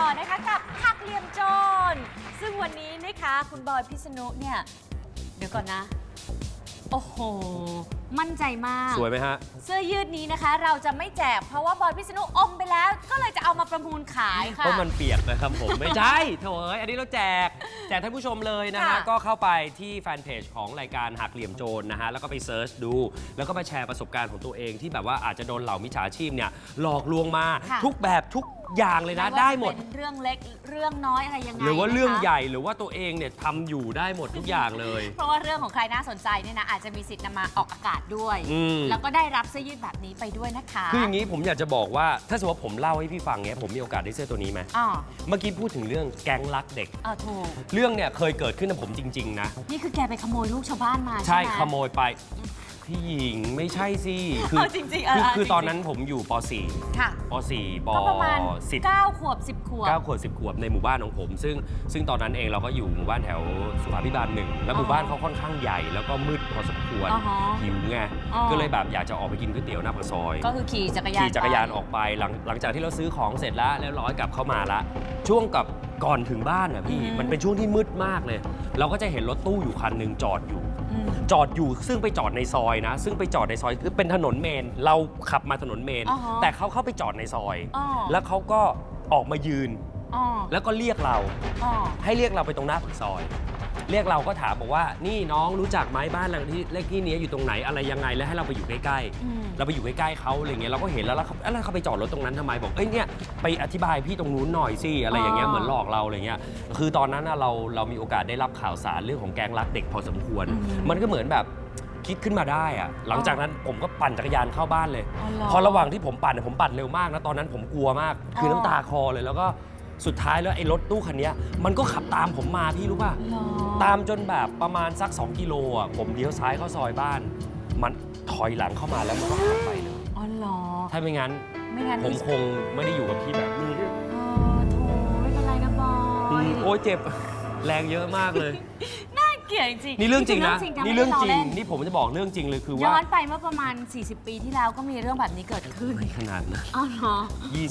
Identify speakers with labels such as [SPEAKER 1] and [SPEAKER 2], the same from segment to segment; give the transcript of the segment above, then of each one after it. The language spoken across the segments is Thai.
[SPEAKER 1] ต่อนะคะกับหักเหลี่ยมโจรซึ่งวันนี้นะคะคุณบอยพิษณุเนี่ยเดี๋ยวก่อนนะโอ้โหมั่นใจมาก
[SPEAKER 2] สวยไหมฮะ
[SPEAKER 1] เสื้อยืดนี้นะคะเราจะไม่แจกเพราะว่าบอยพิษณุอมไปแล้วก็เลยจะเอามาประมูลขายค่ะ
[SPEAKER 2] เพราะมันเปียกนะครับผม ไม่ใช่โถยอันนี้เราแจกท่านผู้ชมเลยนะฮะก็เข้าไปที่แฟนเพจของรายการหักเหลี่ยมโจรนะฮะแล้วก็ไปเซิร์ชดูแล้วก็มาแชร์ประสบการณ์ของตัวเองที่แบบว่าอาจจะโดนเหล่ามิจฉาชีพเนี่ยหลอกลวงมาทุกแบบทุกอย่างเลยนะได้หมด
[SPEAKER 1] เรื่องเล็กเรื่องน้อยอะไรยังไง
[SPEAKER 2] หรือว่าเรื่องใหญ่หรือว่าตัวเองเนี่ยทำอยู่ได้หมดทุกอย่างเลย
[SPEAKER 1] เพราะว่าเรื่องของใครน่าสนใจเนี่ยนะอาจจะมีสิทธิ์นำมาออกอากาศด้วยแล้วก็ได้รับเสื้อยืดแบบนี้ไปด้วยนะคะ
[SPEAKER 2] คืออย่างนี้ผมอยากจะบอกว่าถ้าสมมติว่าผมเล่าให้พี่ฟังเนี่ยผมมีโอกาสได้เสื้อตัวนี้ไหมเมื่อกี้พูดถึงเรื่องแก๊งรักเด็ก
[SPEAKER 1] ถูก
[SPEAKER 2] เรื่องเนี่ยเคยเกิดขึ้นกับผมจริงๆนะ
[SPEAKER 1] นี่คือแกไปขโมยลูกชาวบ้านมา
[SPEAKER 2] ใช่ขโมยไปพี่หญิงไม่ใช่สิ
[SPEAKER 1] จริงๆ
[SPEAKER 2] คือตอนนั้นผมอยู่ป .4
[SPEAKER 1] ค่ะ
[SPEAKER 2] ป .4 ป
[SPEAKER 1] ประมาณ9 ขวบ 10 ขวบ
[SPEAKER 2] 9 ขวบ 10 ขวบในหมู่บ้านของผมซึ่งตอนนั้นเองเราก็อยู่หมู่บ้านแถวสุขาภิบาล1แล้วหมู่บ้านเขาค่อนข้างใหญ่แล้วก็มืดพอสมควรหิวไงก็เลยแบบอยากจะออกไปกินก๋วยเตี๋ยวหน้าปากซอย
[SPEAKER 1] ก็คือขี่จักรยาน
[SPEAKER 2] ออกไปหลังจากที่เราซื้อของเสร็จแล้วร้อยกลับเข้ามาละช่วงกับก่อนถึงบ้านอ่ะพี่มันเป็นช่วงที่มืดมากเลยเราก็จะเห็นรถตู้อยู่คันหนึ่งจอดอยู่ซึ่งไปจอดในซอยนะซึ่งไปจอดในซอยคือเป็นถนนเมนเราขับมาถนนเมนแต่เขาเข้าไปจอดในซอยแล้วเขาก็ออกมายืนแล้วก็เรียกเราให้เรียกเราไปตรงหน้าปากซอยเรียกเราก็ถามบอกว่านี่น้องรู้จักไหมบ้านหลังที่เลขที่นี้อยู่ตรงไหนอะไรยังไงแล้วให้เราไปอยู่ใกล้ๆเราไปอยู่ใกล้ๆเขาอะไรเงี้ยเราก็เห็นแล้วเขาไปจอดรถตรงนั้นทำไมบอกเอ้ยเนี่ยไปอธิบายพี่ตรงนู้นหน่อยสิอะไรอย่างเงี้ยเหมือนหลอกเราอะไรเงี้ยคือตอนนั้นเรามีโอกาสได้รับข่าวสารเรื่องของแก๊งรักเด็กพอสมควรมันก็เหมือนแบบคิดขึ้นมาได้อะหลังจากนั้นผมก็ปั่นจักรยานเข้าบ้านเลยพอระหว่างที่ผมปั่นเร็วมากนะตอนนั้นผมกลัวมากคือน้ำตาคลอเลยแล้วก็สุดท้ายแล้วไอ้รถตู้คันนี้มันก็ขับตามผมมาพี่รู้ป่ะตามจนแบบประมาณสัก2 กิโลอ่ะผมเลี้ยวซ้ายเข้าซอยบ้านมันถอยหลังเข้ามาแล้วมันก็ขับไปเลย
[SPEAKER 1] อ๋อเหรอ
[SPEAKER 2] ถ้าไม่งั้นผมคงไม่ได้อยู่กับพี่แบบนี้
[SPEAKER 1] โถไม่เป็นไรนะบอย
[SPEAKER 2] โอ้ยเจ็บแรงเยอะมากเลย
[SPEAKER 1] เกลียดจริง
[SPEAKER 2] นี่เรื่องจริงนะนี่เรื่องจริงนี่ผมจะบอกเรื่องจริงเลยคือว่า
[SPEAKER 1] ย้อนไปเมื่อประมาณ40 ปีที่แล้วก็มีเรื่องแบบนี้เกิดขึ้น
[SPEAKER 2] ไม่ขนาดนะ
[SPEAKER 1] อ๋อเหรอ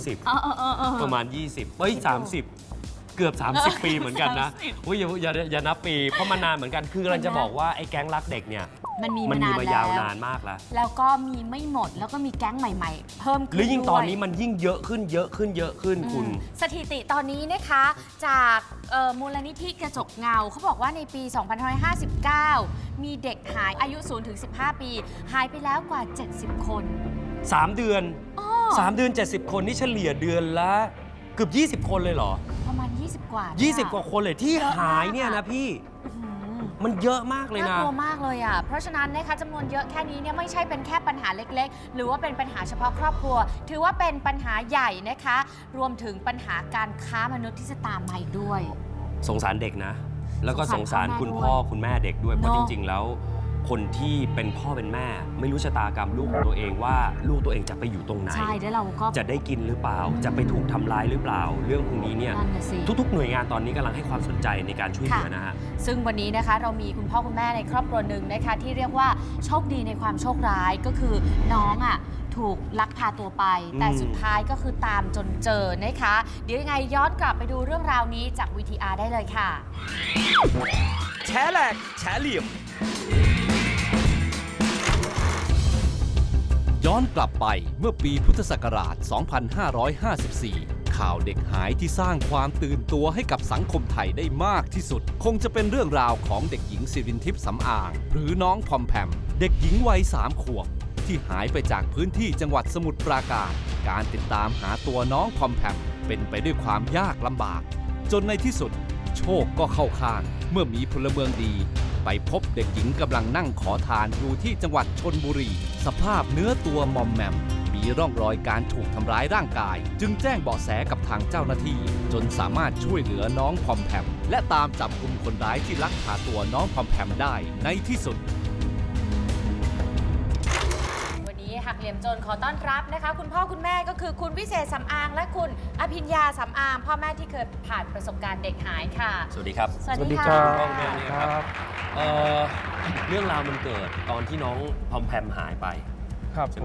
[SPEAKER 2] 20ประมาณ20เฮ้ย30เกือบ30 ปีเหมือนกันนะอุ้ยอย่านับปีเพราะมันนานเหมือนกันคือกำลังจะบอกว่าไอ้แก๊งรักเด็กเนี่ย
[SPEAKER 1] มันมี
[SPEAKER 2] มายาวนานมาก
[SPEAKER 1] แล้วก็มีไม่หมดแล้วก็มีแก๊งใหม่ๆเพิ่มขึ้น
[SPEAKER 2] หรือยิ่งตอนนี้มันยิ่งเยอะขึ้นคุณ
[SPEAKER 1] สถิติตอนนี้นะคะจากมูลนิธิกระจกเงาเขาบอกว่าในปี 2559 มีเด็กหายอายุ0 ถึง 15 ปีหายไปแล้วกว่า 70 คน
[SPEAKER 2] 3 เดือน3 เดือน70 คนนี่เฉลี่ยเดือนละเกือบ20 คนเลยเหรอ
[SPEAKER 1] ประมาณ20 กว่า
[SPEAKER 2] 20 กว่าคนเลยที่หายเนี่ยนะพี่มันเยอะมากเลยนะ
[SPEAKER 1] น่ากลัวมากเลยอ่ะเพราะฉะนั้นนะคะจำนวนเยอะแค่นี้เนี่ยไม่ใช่เป็นแค่ปัญหาเล็กๆหรือว่าเป็นปัญหาเฉพาะครอบครัวถือว่าเป็นปัญหาใหญ่นะคะรวมถึงปัญหาการค้ามนุษย์ที่จะตามมาอีกด้วย
[SPEAKER 2] สงสารเด็กนะแล้วก็สงสารคุณพ่อคุณแม่เด็กด้วยเพราะจริงๆแล้วคนที่เป็นพ่อเป็นแม่ไม่รู้ชะตากรรมลูกของตัวเองว่าลูกตัวเองจะไปอยู่ตรงไหน
[SPEAKER 1] ใช่แล้วเราก็
[SPEAKER 2] จะได้กินหรือเปล่าจะไปถูกทำร้ายหรือเปล่าเรื่องพวกนี้เนี่ยทุกๆหน่วยงานตอนนี้กำลังให้ความสนใจในการช่วยเหลือนะฮะ
[SPEAKER 1] ซึ่งวันนี้นะคะเรามีคุณพ่อคุณแม่ในครอบครัวหนึ่งนะคะที่เรียกว่าโชคดีในความโชคร้ายก็คือน้องอ่ะถูกลักพาตัวไปแต่สุดท้ายก็คือตามจนเจอนะคะเดี๋ยวยังไงย้อนกลับไปดูเรื่องราวนี้จาก VTR ได้เลยค่ะ
[SPEAKER 3] แฉแหลกแฉเหลี่ยมย้อนกลับไปเมื่อปีพุทธศักราช 2554 ข่าวเด็กหายที่สร้างความตื่นตัวให้กับสังคมไทยได้มากที่สุดคงจะเป็นเรื่องราวของเด็กหญิงสิรินทิพย์สำอางหรือน้องพอมแพมเด็กหญิงวัย3 ขวบที่หายไปจากพื้นที่จังหวัดสมุทรปราการการติดตามหาตัวน้องพอมแพมเป็นไปด้วยความยากลำบากจนในที่สุดโชคก็เข้าข้างเมื่อมีพลเมืองดีไปพบเด็กหญิงกำลังนั่งขอทานอยู่ที่จังหวัดชลบุรีสภาพเนื้อตัวมอมแมมมีร่องรอยการถูกทำร้ายร่างกายจึงแจ้งเบาะแสกับทางเจ้าหน้าที่จนสามารถช่วยเหลือน้องพอมแพมและตามจับกุมคนร้ายที่ลักพาตัวน้องพอมแพมได้ในที่สุด
[SPEAKER 1] หักเหลี่ยมโจรขอต้อนรับนะคะคุณพ่อคุณแม่ก็คือคุณวิเศษสำอางและคุณอภิญญาสำอางพ่อแม่ที่เคยผ่านประสบการณ์เด็กหายค่ะ
[SPEAKER 2] สวัสดีครับ
[SPEAKER 1] สวัสดีค่ะ
[SPEAKER 2] พ่อแม่เนี่ยครับเรื่องราวมันเกิดตอนที่น้องพอมแพมหายไปใช่ไหมฮะ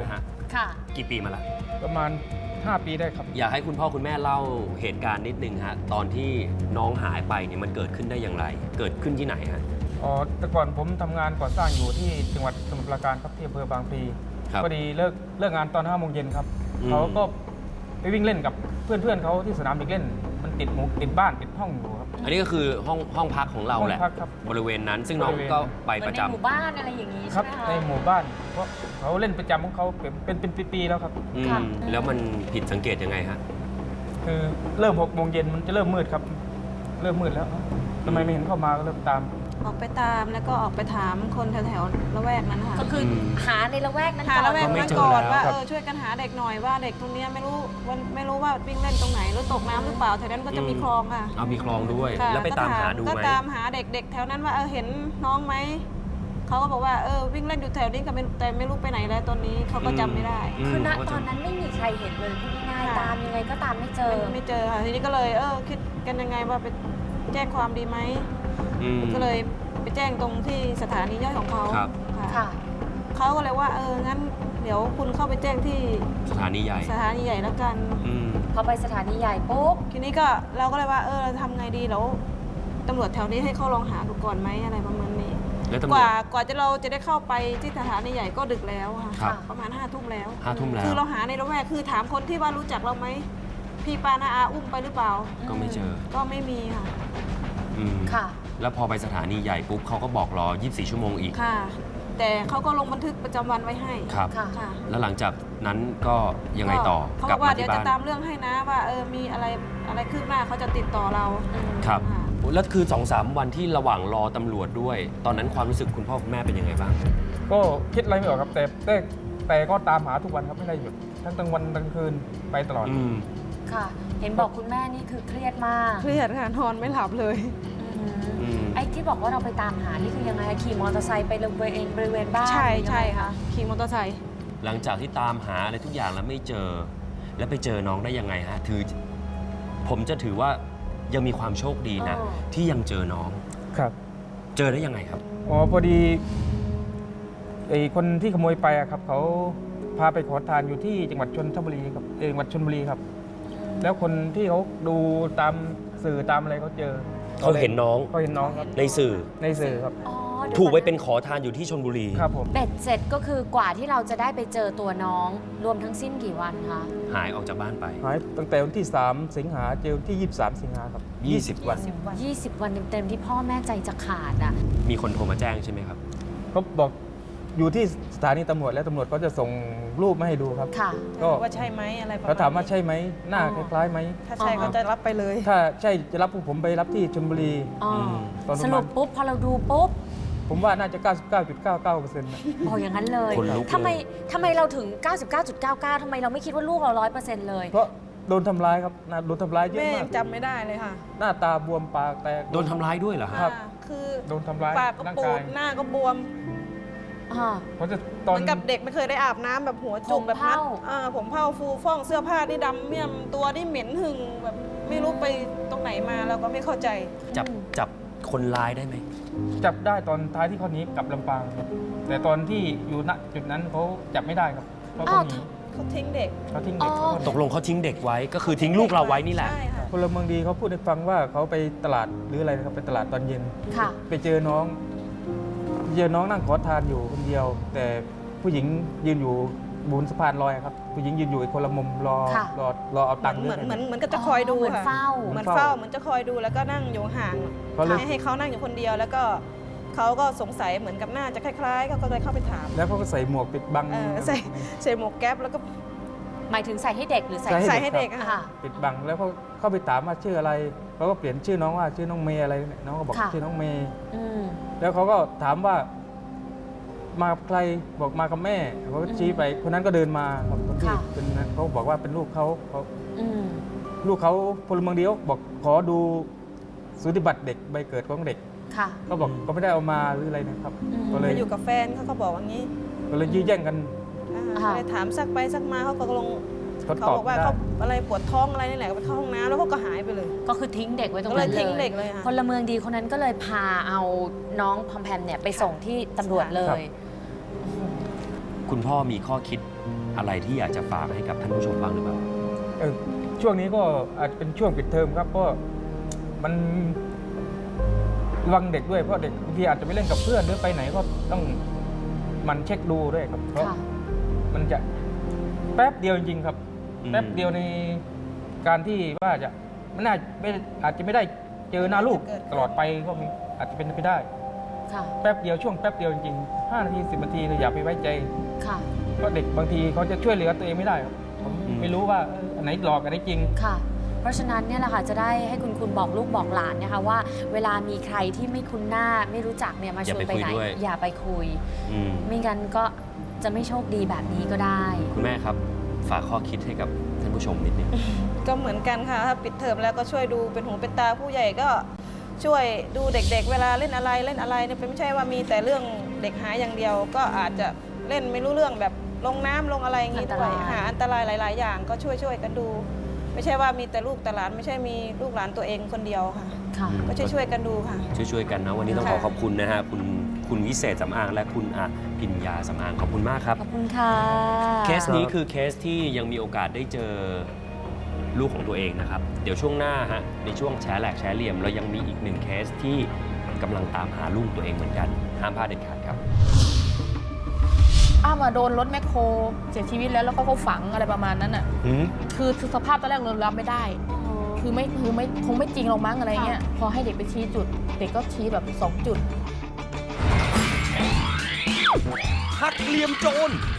[SPEAKER 1] ค่ะ
[SPEAKER 2] กี่ปีมาละ
[SPEAKER 4] ประมาณ 5 ปีได้ครับ
[SPEAKER 2] อยากให้คุณพ่อคุณแม่เล่าเหตุการณ์นิดนึงฮะตอนที่น้องหายไปเนี่ยมันเกิดขึ้นได้อย่างไร เกิดขึ้นที่ไหนฮะ
[SPEAKER 4] อ๋อ แต่ก่อนผมทำงานก่อสร้างอยู่ที่จังหวัดสมุทรปราการครับที่อำเภอบางพลี
[SPEAKER 2] ครับ
[SPEAKER 4] พอดีเลิกงานตอน5 โมงเย็นครับ
[SPEAKER 2] อืม
[SPEAKER 4] เขาก็ไปวิ่งเล่นกับเพื่อนเขาที่สนามเด็กเล่น มันติดบ้านติดห้องอยู่ครับ
[SPEAKER 2] อันนี้ก็คือห้องพักของเราแหละ
[SPEAKER 4] ห้องพักครับ
[SPEAKER 2] บริเวณนั้นซึ่งน้อง
[SPEAKER 4] บริเวณ
[SPEAKER 2] ก็ไป
[SPEAKER 1] เหมื
[SPEAKER 2] ป
[SPEAKER 1] อน
[SPEAKER 2] ระ
[SPEAKER 1] ใน
[SPEAKER 2] จำ
[SPEAKER 1] หมู่บ้านอะไรอย่างนี้
[SPEAKER 4] ครั
[SPEAKER 1] ใช่
[SPEAKER 4] บ
[SPEAKER 1] ไหมคะ
[SPEAKER 4] ในหมู่บ้านเพราะเขาเล่นประจำของเขาเป็นปีๆแล้วครับ
[SPEAKER 2] อืม
[SPEAKER 1] ค่ะ
[SPEAKER 2] แล้วมันผิดสังเกตยังไงฮะ
[SPEAKER 4] คือเริ่ม6 โมงเย็นมันจะเริ่มมืดครับ เริ่มมืดแล้วทำไมไม่เห็นเข้ามาก็เริ่มตาม
[SPEAKER 5] ออกไปตามแล้วก็ออกไปถามคนแถวๆละแวกนั้นนะคะ
[SPEAKER 1] ก็คือหาในละแวกนั้น
[SPEAKER 5] หา
[SPEAKER 1] ก่อน
[SPEAKER 5] ละแวก
[SPEAKER 2] ก็ไม่
[SPEAKER 5] นั้น
[SPEAKER 2] เจอ
[SPEAKER 5] ก่อน
[SPEAKER 2] แล้ว
[SPEAKER 5] ว่า
[SPEAKER 4] ครับ
[SPEAKER 5] ช่วยกันหาเด็กหน่อยว่าเด็กตรงเนี้ยไม่รู้ว่าวิ่งเล่นตรงไหนหรือตกน้ำหรือเปล่าแถวนั้นก็จะมีคลองค่ะ
[SPEAKER 2] เอามีคลองด้วย
[SPEAKER 5] ค่ะ
[SPEAKER 2] แล้วไปตามหาดู
[SPEAKER 5] ก็
[SPEAKER 2] ไหม
[SPEAKER 5] ตามหาเด็กๆ แถวนั้นว่าเห็นน้องไหมเขาก็บอกว่าวิ่งเล่นอยู่แถวนี้แต่ไม่รู้ไปไหนแล้วตอนนี้เขาก็จำไม่ได้
[SPEAKER 1] คือณ
[SPEAKER 2] เขา
[SPEAKER 1] ต
[SPEAKER 2] จะ
[SPEAKER 1] อนนั้นไม่มีใครเห็นเลยพูดง่ายๆ
[SPEAKER 5] ค่ะ
[SPEAKER 1] ตามยังไงก็ตามไม่เจอ
[SPEAKER 5] ไม่เจอค่ะทีนี้ก็เลยคิดกันยังไงว่าไปแจ้งความดีไหม
[SPEAKER 2] อืม
[SPEAKER 5] ก็เลยไปแจ้งตรงที่สถานีย่อยของเขา
[SPEAKER 2] ครับ
[SPEAKER 5] ค่ะ
[SPEAKER 1] ค่ะ
[SPEAKER 5] เขาก็เลยว่างั้นเดี๋ยวคุณเข้าไปแจ้งที่
[SPEAKER 2] สถานีใหญ่
[SPEAKER 5] สถานีใหญ่แล้วกัน
[SPEAKER 2] อืม
[SPEAKER 1] พอไปสถานีใหญ่ปุ๊บ
[SPEAKER 5] ทีนี้ก็เราก็เลยว่าทำไงดีแล้วตำรวจแถวนี้ให้เขาลองหาดูก่อนไหมอะไรประมาณนี้
[SPEAKER 2] แล้วตำร
[SPEAKER 5] ก
[SPEAKER 2] วจ
[SPEAKER 5] ว่าเราจะได้เข้าไปที่สถานีใหญ่ก็ดึกแล้วค่ะ
[SPEAKER 2] ครับ
[SPEAKER 5] ประมาณ5 ทุ่มแล้ว
[SPEAKER 2] 5 ทุ่มแล้ว
[SPEAKER 5] คือเราหาในละแวกคือถามคนที่ว่ารู้จักเราไหมพี่ปานาอาอุ้มไปหรือเปล่า
[SPEAKER 2] ก็ไม่เจอ
[SPEAKER 5] ก็ไม่มีค่ะ
[SPEAKER 2] อืม
[SPEAKER 1] ค่ะ
[SPEAKER 2] แล้วพอไปสถานีใหญ่ปุ๊บเขาก็บอกรอ 24 ชั่วโมงอีก
[SPEAKER 5] ค่ะ แต่เขาก็ลงบันทึกประจำวันไว้ให้
[SPEAKER 2] ครับ
[SPEAKER 1] ค่ะ
[SPEAKER 5] ค่ะ
[SPEAKER 2] แล้วหลังจากนั้นก็ยังไงต่อ
[SPEAKER 5] เขา
[SPEAKER 2] ก
[SPEAKER 5] บ
[SPEAKER 2] ลั
[SPEAKER 5] อบ กว่า
[SPEAKER 2] มา
[SPEAKER 5] เดี๋ย
[SPEAKER 2] ที่
[SPEAKER 5] วจะ
[SPEAKER 2] บ้าน
[SPEAKER 5] ตามเรื่องให้นะว่ามีอะไรคืบหน้าเขาจะติดต่อเรา
[SPEAKER 2] ครับ
[SPEAKER 5] ค่ะ
[SPEAKER 2] แล้วคือ 2-3 วันที่ระหว่างรอตำรวจด้วย ตอนนั้นความรู้สึกคุณพ่อคุณแม่เป็นยังไงบ้าง
[SPEAKER 4] ก็คิดอะไรไม่ออกครับแต่ก็ตามหาทุกวันครับไม่ได้หยุดทั้งกลางวันกลางคืนไปตลอด
[SPEAKER 2] อืม
[SPEAKER 1] ค่ะ เห็นบอกคุณแม่นี่คือเครียดมาก
[SPEAKER 5] เครียดค่ะนอนไม่หลับเลย
[SPEAKER 2] อืม
[SPEAKER 1] ไอ้ที่บอกว่าเราไปตามหา นี่คือยังไงคะขี่มอเตอร์ไซค์ไปบริเวณบ้าน
[SPEAKER 5] ใช่
[SPEAKER 1] หรือยังไง
[SPEAKER 5] ใช่ค่ะ ขี่มอเตอร์ไซค์
[SPEAKER 2] หลังจากที่ตามหาอะไรทุกอย่างแล้วไม่เจอ แล้วไปเจอน้องได้ยังไงฮะผมจะถือว่ายังมีความโชคดีนะ ที่ยังเจอน้อง
[SPEAKER 4] ครับ
[SPEAKER 2] เจอได้ยังไงครับ
[SPEAKER 4] อ๋อพอดีไอ้คนที่ขโมยไปอะครับเขาพาไปขอทานอยู่ที่จังหวัดชลบุรีครับจังหวัดชลบุรีครับ แล้วคนที่เขาดูตามสื่อตามอะไรเขาเจอ
[SPEAKER 2] เขาเห็นน้อง
[SPEAKER 4] เขาเห็นน้องครับ
[SPEAKER 2] ในสื่อ
[SPEAKER 4] ในสื่อครับ
[SPEAKER 1] อ๋อเดี๋ยว
[SPEAKER 2] ถูกไว้
[SPEAKER 1] ก่
[SPEAKER 2] เป็
[SPEAKER 1] อน
[SPEAKER 2] ขอทานอยู่ที่ชลบุรี
[SPEAKER 4] ครับผม
[SPEAKER 1] เบ็ดเสร็จก็คือกว่าที่เราจะได้ไปเจอตัวน้อง รวมทั้งสิ้นกี่วันคะ
[SPEAKER 2] หายออกจากบ้านไป
[SPEAKER 4] หายตั้งแต่วันที่ 3 สิงหาเจอวันที่ 23 สิงหาครับ
[SPEAKER 2] 20 วัน
[SPEAKER 1] 20 วันเต็มๆที่พ่อแม่ใจจะขาดอ่ะ
[SPEAKER 2] มีคนโทรมาแจ้งใช่ไหมครับ
[SPEAKER 4] เขาบอกอยู่ที่สถานีตำรวจแล้วตำรวจเขาจะส่งรูปมาให้ดูครับ
[SPEAKER 1] ค่ะ
[SPEAKER 4] ก็
[SPEAKER 5] ว่าใช่ไหมอะไรประมาณ
[SPEAKER 4] เขาถามว่าใช่ไหมหน้า
[SPEAKER 1] อ๋
[SPEAKER 4] ค
[SPEAKER 1] อ
[SPEAKER 4] ล้ายๆไหม
[SPEAKER 5] ถ้าใช่
[SPEAKER 1] อ๋อ
[SPEAKER 5] เขาจะรับไปเลย
[SPEAKER 4] ถ้าใช่จะรับพวกผมไปรับที่ชลบุรี
[SPEAKER 1] อ๋อ
[SPEAKER 4] ตอนประมาณ
[SPEAKER 1] สรุปปุ๊บพอเราดูปุ๊บ
[SPEAKER 4] ผมว่าน่าจะ 99.99%นะ
[SPEAKER 1] โอ้อย่างนั้นเลย
[SPEAKER 2] คนลุกเลย
[SPEAKER 1] ทำไมเราถึง 99.99ทำไมเราไม่คิดว่าลูกเรา 100%เลย
[SPEAKER 4] เพราะโดนทำร้ายครับนะโดนทำร้ายเยอะ
[SPEAKER 5] แม่
[SPEAKER 4] มา
[SPEAKER 5] ยั
[SPEAKER 4] ก
[SPEAKER 5] งจำไม่ได้เลยค่ะ
[SPEAKER 4] หน้าตาบวมปากแตก
[SPEAKER 2] โดนทำร้ายด้วยเหรอฮะ
[SPEAKER 4] ครับ
[SPEAKER 5] คือ
[SPEAKER 4] โดนทำร้าย
[SPEAKER 5] ปากก็
[SPEAKER 4] ร่าง
[SPEAKER 5] ปู
[SPEAKER 4] กา
[SPEAKER 5] ด
[SPEAKER 4] ย
[SPEAKER 5] หน้าก็บวม
[SPEAKER 1] อ่า
[SPEAKER 4] เขาจะ
[SPEAKER 5] เห
[SPEAKER 4] ตอน
[SPEAKER 5] มือนกับเด็กไม่เคยได้อาบน้ำแบบหัวจุก
[SPEAKER 1] ผม
[SPEAKER 5] แบบนั้น
[SPEAKER 1] เผ่า
[SPEAKER 5] ผมเผ่าฟูฟ่องเสื้อผ้าที่ดำเมี่ยมตัวที่เหม็นหึงแบบไม่รู้ไปตรงไหนมาเราก็ไม่เข้าใจ
[SPEAKER 2] จับคนร้ายได้ไหม
[SPEAKER 4] จับได้ตอนท้ายที่เขาหนีกลับลำปางครับแต่ตอนที่อยู่ณจุดนั้นเขาจับไม่ได้ครับเพราะเขาหนี
[SPEAKER 5] เขาทิ้งเด็ก
[SPEAKER 4] เขาทิ้งเด็ก
[SPEAKER 1] อ๋อ
[SPEAKER 4] เขาหนี
[SPEAKER 2] ตกลงเขาทิ้งเด็กไว้ ก็คือทิ้งลูกเราไว้นี่แหละ
[SPEAKER 5] ใช่ค่ะ
[SPEAKER 4] พลเมืองดีเขาพูดให้ฟังว่าเขาไปตลาดหรืออะไรนะครับไปตลาดตอนเย็น
[SPEAKER 1] ค่ะ
[SPEAKER 4] ไปเจอน้องนั่งขอทานอยู่คนเดียว แต่ผู้หญิงยืนอยู่บนสะพานลอยครับผู้หญิงยืนอยู่อีกคนละมุมรอ
[SPEAKER 1] ค่ะ
[SPEAKER 4] เอาตังค์
[SPEAKER 5] เหมือน
[SPEAKER 4] ด้วย
[SPEAKER 5] เหมือนก็จะคอยดู
[SPEAKER 1] เหมือน
[SPEAKER 5] ค่ะ
[SPEAKER 1] เฝ้า
[SPEAKER 5] เหมือนเฝ้าเหมือนจะคอยดูแล้วก็นั่งอยู่ห่าง
[SPEAKER 4] เขาเลย
[SPEAKER 5] ให้เขานั่งอยู่คนเดียว แล้วก็เขาก็สงสัยเหมือนกับหน้าจะคล้ายๆเขาก็เลยเข้าไปถาม
[SPEAKER 4] แล้วเขาก็ใส่หมวกปิดบัง
[SPEAKER 5] ใส่หมวกแก๊ปแล้วก็
[SPEAKER 1] หมายถึงใส่ให้เด็กหรือใส่
[SPEAKER 4] ใส่
[SPEAKER 5] ใส่ให้เด็ก
[SPEAKER 1] ค่ะ
[SPEAKER 5] อะค่ะ
[SPEAKER 4] ปิดบังแล้วเขาเข้าไปถามว่าชื่ออะไรเขาก็เปลี่ยนชื่อน้องว่าชื่อน้องเมย์อะไรเนี่ยน้องก็บอก
[SPEAKER 1] ค่ะ
[SPEAKER 4] ชื่อน้องเมย์
[SPEAKER 1] อืม
[SPEAKER 4] แล้วเขาก็ถามว่ามากับใครบอกมากับแม่เขาก็ชี้ไปคนนั้นก็เดินมาครับคนที่
[SPEAKER 1] ค่ะ
[SPEAKER 4] เป็นเขาบอกว่าเป็นลูกเขา
[SPEAKER 1] อืม
[SPEAKER 4] ลูกเขาพลเมืองดีเขาบอกขอดูสูติบัตรเด็กใบเกิดของเด็ก
[SPEAKER 1] ค่ะ
[SPEAKER 4] ก็บอกก็ไม่ได้เอามาหรืออะไรนะครับ
[SPEAKER 1] อืม
[SPEAKER 4] ก็เลย
[SPEAKER 5] มาอยู่กับแฟนเขาก็บอกอย่างนี้
[SPEAKER 4] ก็เลยยื้อแย่งกัน
[SPEAKER 1] ค่ะ
[SPEAKER 5] ก็เลยถามซักไปซักมาเขาก็ลง
[SPEAKER 4] เขา
[SPEAKER 5] เขา
[SPEAKER 4] ตอบ
[SPEAKER 5] บอกว่า
[SPEAKER 4] ไม่ได้
[SPEAKER 5] เขาอะไรปวดท้องอะไรนี่แหละก็ไปเข้าห้องน้ำแล้วเขาก็หายไปเลย
[SPEAKER 1] ก็คือทิ้งเด็กไว้ตรง
[SPEAKER 5] ก็เล
[SPEAKER 1] นั้
[SPEAKER 5] ย
[SPEAKER 1] น
[SPEAKER 5] ทิ้ง
[SPEAKER 1] เล
[SPEAKER 5] เด็
[SPEAKER 1] ย
[SPEAKER 5] กเลยค่ะ
[SPEAKER 1] พลเมืองดีคนนั้นก็เลยพาเอาน้องพอมแพมเนี่ยไปส่งที่ตำรวจเลย
[SPEAKER 2] คุณพ่อมีข้อคิดอะไรที่อยากจะฝากให้กับท่านผู้ชมบ้างหรือเปล่า
[SPEAKER 4] ช่วงนี้ก็อาจจะเป็นช่วงปิดเทอมครับก็มันระวังเด็กด้วยเพราะเด็กบางทีอาจจะไปเล่นกับเพื่อนหรือไปไหนก็ต้องมันเช็คดูด้วยครับเพราะ
[SPEAKER 1] ค่ะ
[SPEAKER 4] มันจะแป๊บเดียวจริงๆครับ
[SPEAKER 2] อืม
[SPEAKER 4] แป๊บเดียวในการที่ว่าจะมันอาจจะไม่ได้เจอหน้าลูกตลอดไปก็มีอาจจะเป็นไปได้
[SPEAKER 1] ค่ะ
[SPEAKER 4] แป๊บเดียวช่วงแป๊บเดียวจริงๆ5 นาที 10 นาทีอย่าไปไว้ใจ
[SPEAKER 1] ค่ะ
[SPEAKER 4] เพราะเด็กบางทีเขาจะช่วยเหลือตัวเองไม่ได้ครับผมไม่รู้ว่าอันไหนหลอกอันไหนจริง
[SPEAKER 1] ค่ะ เพราะฉะนั้นเนี่ยแหละค่ะจะได้ให้คุณบอกลูกบอกหลานนะคะว่าเวลามีใครที่ไม่คุ้นหน้าไม่รู้จักเนี่ยมาชวนไปไหน อย่าไปคุย
[SPEAKER 2] อืม
[SPEAKER 1] ไม่งั้นก็จะไม่โชคดีแบบนี้ก็ได้
[SPEAKER 2] คุณแม่ครับฝากข้อคิดให้กับท่านผู้ชมนิดนึง
[SPEAKER 5] ก็เหมือนกันค่ะถ้าปิดเทอมแล้วก็ช่วยดูเป็นหูเป็นตาผู้ใหญ่ก็ช่วยดูเด็กๆ เวลาเล่นอะไรเนี่ยไม่ใช่ว่ามีแต่เรื่องเด็กหายอย่างเดียว ก็อาจจะเล่นไม่รู้เรื่องแบบลงน้ำลงอะไรอย่างงี้ด้วย
[SPEAKER 1] อันตราย
[SPEAKER 5] หาอันตรายหลาย ๆ อย่างก็ช่วยกันดู ไม่ใช่ว่ามีแต่ลูกแต่หลานไม่ใช่มีลูกหลานตัวเองคนเดียวค่ะ
[SPEAKER 1] ค่ะ
[SPEAKER 5] ก็ช่วยๆกันดูค่ะ
[SPEAKER 2] ช่วยๆกันนะวันนี้ต้องขอ
[SPEAKER 5] ค่ะ
[SPEAKER 2] ขอบคุณนะฮะคุณวิเศษสำอางและคุณพิญญาสำอางขอบคุณมากครับ
[SPEAKER 1] ขอบคุณค่ะ
[SPEAKER 2] เคสนี้คือเคสที่ยังมีโอกาสได้เจอลูกของตัวเองนะครับ เดี๋ยวช่วงหน้าฮะในช่วงแชร์แหลกแชร์เหลี่ยมเรายังมีอีกหนึ่งเคสที่กำลังตามหาลูกตัวเองเหมือนกันห้ามพลาดเด็ดขาดครับ
[SPEAKER 6] อ้าวมาโดนรถแมคโครเสียชีวิตแล้วก็เขาฝังอะไรประมาณนั้นอ่ะ คือสภาพตอนแรกเรารับไม่ได้ คือคงไม่จริงหรอกมั้งอะไรเงี้ย พอให้เด็กไปชี้จุด เด็กก็ชี้แบบ2 จุด
[SPEAKER 3] หักเหลี่ยมโจร